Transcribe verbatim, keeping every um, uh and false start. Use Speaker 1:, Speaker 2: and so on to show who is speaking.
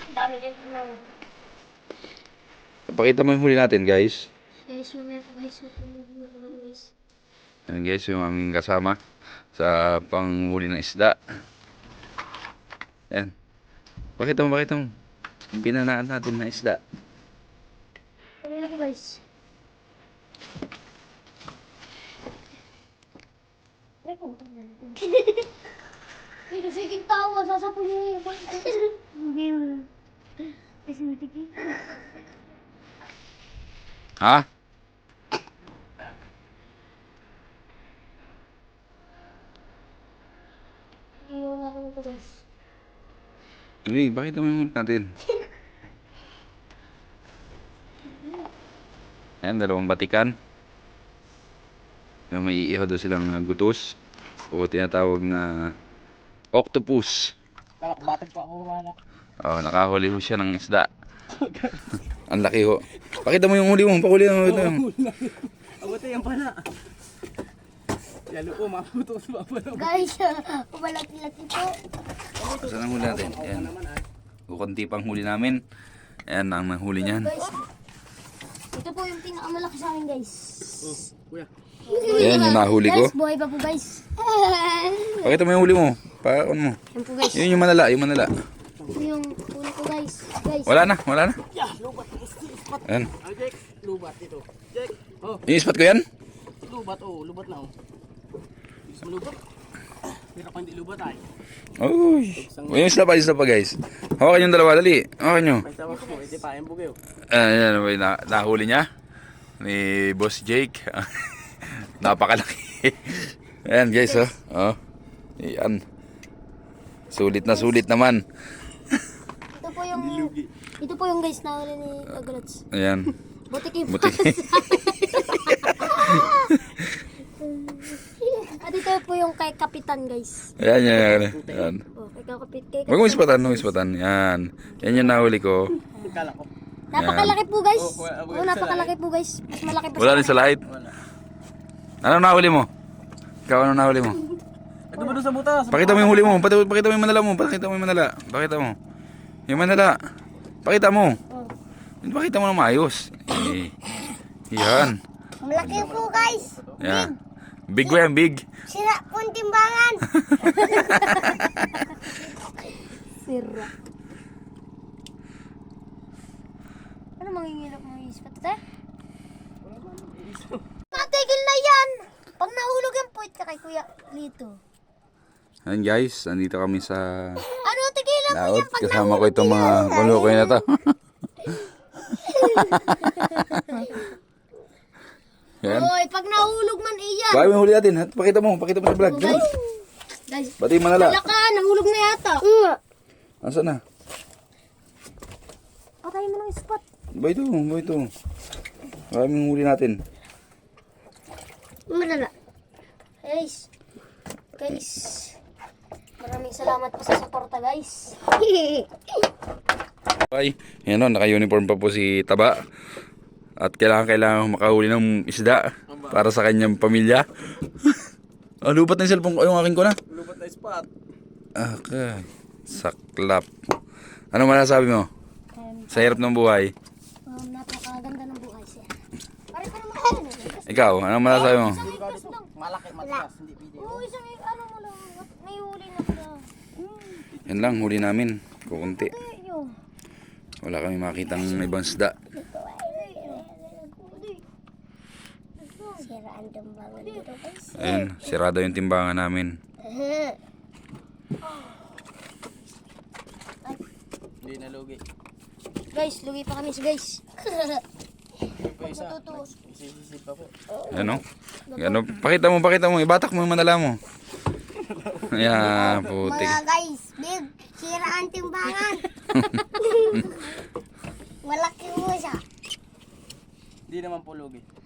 Speaker 1: Dami din na.
Speaker 2: Pakita mo yung huli natin, guys.
Speaker 1: Guys, mamaya po guys. Guys.
Speaker 2: Ayan guys, yung aming kasama sa panghuli ng isda. Ayan. Pakita mo, pakita mo. Yung pinanaan natin na isda.
Speaker 1: Ano na po guys? Ay, kasi yung tawa, sasapo niyo yung hindi mo. Kasi matigil.
Speaker 2: Ha?
Speaker 1: Iyon na kami po guys.
Speaker 2: Hindi, pakita mo yung huli natin. Ayan, dalawang batikan. Yung may iihaw daw silang uh, gutos. O tinatawag na octopus.
Speaker 3: Kalakbatag pa ako wala.
Speaker 2: Oh, nakahuli ho siya ng isda. Ang laki ho. Pakita mo yung huli mo, pakuli mo.
Speaker 3: Abot yan pala. Yalo ko, maputos pa pala.
Speaker 1: Guys, malaki-laki po.
Speaker 2: Saan ang huli natin? Ayan. Kukunti pang huli namin. Ayan ang nahuli niyan.
Speaker 1: Guys, ito po yung pinakamalaki sa amin guys.
Speaker 3: Oh, kuya.
Speaker 2: Ayan yung nahuli ko.
Speaker 1: Guys, buhay pa po guys.
Speaker 2: Pakita mo yung huli mo. Pakita mo.
Speaker 1: Yan po guys.
Speaker 2: Yun yung manala, yung manala.
Speaker 1: Ito yung huli ko guys. Guys.
Speaker 2: Wala na, wala na.
Speaker 3: Yeah, lubat. Ispat.
Speaker 2: Ayan.
Speaker 3: Ah, Jack, lubat ito. Jack, oh,
Speaker 2: Yung spot ko yan?
Speaker 3: lubat oh, lubat na oh. Gusto mo lubat? Pero kung hindi lubat ay.
Speaker 2: Uy. Yung isla pa, isla pa guys. Hawakan yung dalawa, dali. Hawakan nyo.
Speaker 3: May tawag mo, hindi pa, yung bugyo.
Speaker 2: Ayan, ano ba yung na- nahuli niya? Ni Boss Jake. Napakalaki. Ayan guys, oh. Oh. Ayan. Sulit na sulit naman.
Speaker 1: Ito po yung ito po yung guys na huli ni Kagulats.
Speaker 2: Ayan.
Speaker 1: Butik yung
Speaker 2: Buti.
Speaker 1: At ito po yung kay Kapitan guys.
Speaker 2: Ayan, yan, yan. Ayan.
Speaker 1: Oh, kay Kapit kay
Speaker 2: Huwag mo ispatan, huwag mo ispatan. Yan. Yan yung nahuli ko.
Speaker 3: Kala ko.
Speaker 1: Napakalaki po guys.
Speaker 3: Oh, wala- wala
Speaker 1: Oh,
Speaker 3: sa
Speaker 1: napakalaki po guys. Mas malaki po
Speaker 2: Wala rin sa light.
Speaker 3: Wala.
Speaker 2: Ano nahuli mo? Ikaw, ano nahuli mo?
Speaker 3: Ito ba doon sa butas?
Speaker 2: Pakita mo yung huli mo. Pati- Pakita mo yung manala mo. Pakita mo yung manala. Pakita mo. Yung manala. Pakita mo.
Speaker 1: Oh.
Speaker 2: Pakita mo na maayos. Eh, yan.
Speaker 1: Malaki po guys.
Speaker 2: Yan. Big ba yan? Big.
Speaker 1: Sira po ang timbangan. Sira. Ano mangingilap mo yung ispat ito? Natigil na yan. Pag nahulog yung puwit ka kay Kuya Lito.
Speaker 2: Ayan guys. Andito kami sa
Speaker 1: Ano tigilan mo
Speaker 2: laot.
Speaker 1: yan pag
Speaker 2: Kasama ko itong mga malukoy na to. Yan.
Speaker 1: Hoy, pag nahulog man iyan.
Speaker 2: Bakit mo huli natin? ha? Pakita mo. Pakita mo sa vlog.
Speaker 1: Guys. Guys.
Speaker 2: Pati yung manala.
Speaker 1: Wala ka, nahulog na yata.
Speaker 2: Nasaan na?
Speaker 1: Patay mo ng spot.
Speaker 2: Ba ito? Ba ito? Bakit mo huli natin?
Speaker 1: Malala. Guys. Guys. Maraming salamat po sa suporta, guys.
Speaker 2: Ay, yan o, naka-uniform pa po si Taba. At kailangan kailangan makahuli ng isda para sa kanyang pamilya. Ah, lupat na yung cellphone ko, yung akin ko na.
Speaker 3: Lubat na spot.
Speaker 2: Okay. Saklap. Ano masasabi mo?
Speaker 1: Um,
Speaker 2: Sa hirap ng buhay.
Speaker 1: um, napakaganda ng buhay siya. Pare pa naman ano.
Speaker 2: Ikaw, ano masasabi mo?
Speaker 1: Isang ikas lang.
Speaker 3: Malaki, matigas, hindi pwede.
Speaker 1: Oo, isang ikas. Ano mo lang. May huli na pala. Hmm.
Speaker 2: Yan lang, huli namin. Kukunti.
Speaker 1: Ayun.
Speaker 2: Wala kami makitang ibang isda.
Speaker 1: Siraan timbangan dito, guys.
Speaker 2: Ayun, sirado yung timbangan namin.
Speaker 3: Hindi na lugi.
Speaker 1: Guys, lugi pa kami sa guys.
Speaker 3: Pa isa,
Speaker 1: Matutuwa.
Speaker 3: isisisip pa po.
Speaker 2: Ano? Ano? Pakita mo, pakita mo. Ibatak mo yung manala mo. Ayan, putik.
Speaker 1: Mga guys, big, siraan timbangan. Malaki mo siya.
Speaker 3: Hindi naman po lugi.